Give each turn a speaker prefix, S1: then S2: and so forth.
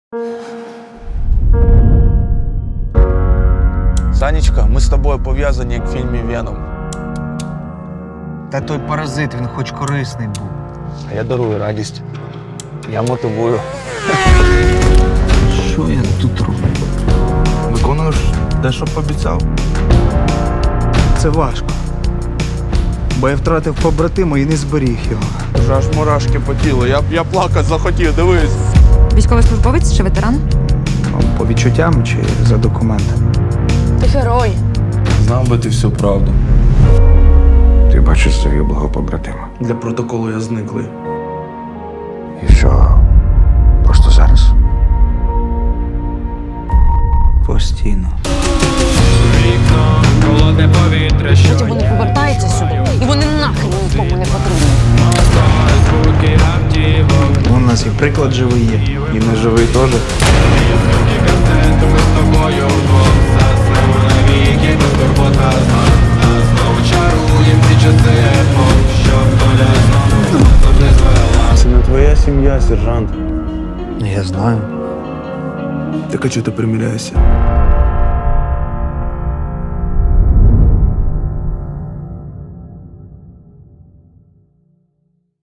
S1: Санечка, ми з тобою пов'язані, як в фільмі «Веном».
S2: Та той паразит, він хоч корисний був.
S1: А я дарую радість. Я мотивую.
S2: Що я тут роблю?
S1: Виконуєш те, що пообіцяв.
S3: Це важко. Бо я втратив побратима і не зберіг його.
S1: Вже аж мурашки по тілу. Я плакати захотів, дивись.
S4: Військовослужбовець чи ветеран?
S3: По відчуттям чи за документами.
S5: Ти герой.
S1: Знав би ти всю правду.
S6: Ти бачиш загиблого побратима.
S1: Для протоколу я зниклий.
S6: І що? Просто зараз.
S3: Постійно.
S5: Потім вони повертаються сюди, і вони нахрен нікому не потрібні.
S3: У нас і приклад живий є.
S1: І не живий теж. Це не твоя сім'я, сержант.
S3: Я знаю.
S1: Так а чого ти приміряєшся?